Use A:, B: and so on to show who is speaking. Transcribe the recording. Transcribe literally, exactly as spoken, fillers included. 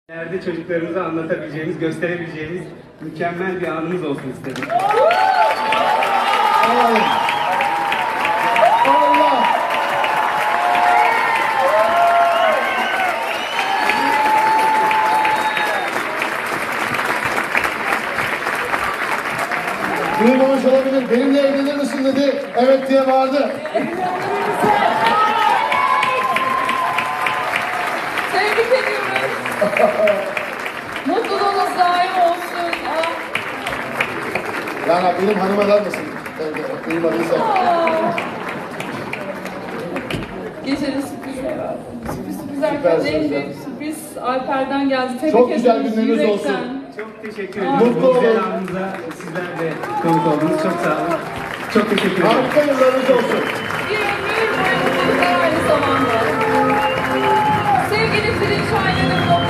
A: İleride çocuklarımıza anlatabileceğimiz, gösterebileceğimiz mükemmel bir anımız olsun istedim.
B: Allah! Allah! Duymamış olabilir. Benimle evlenir misin dedi. Evet diye bağırdı.
C: Tebrik ediyoruz. Mutluluğunuz daim olsun. Ah.
B: Yani benim hanıma der misin? Duymadıysa.
C: Gecenin sürprizi. Sürpriz sürpriz
B: Süper
C: Alper'den en
B: sürpriz.
C: büyük sürpriz Alper'den geldi. Tebrik
B: Çok güzel
C: ediyoruz
B: günleriniz
C: yürekten.
B: olsun.
A: Çok teşekkür
C: Aa.
A: ederim.
B: Mutlu
A: Bu güzel
B: olun.
A: anımıza sizler de konuk oldunuz. Çok sağ olun. Çok teşekkür ederim.
B: Harika yıllarınız olsun.
C: Bir ömür boyunca aynı zamanda. Sevgili Zilin Şahin'in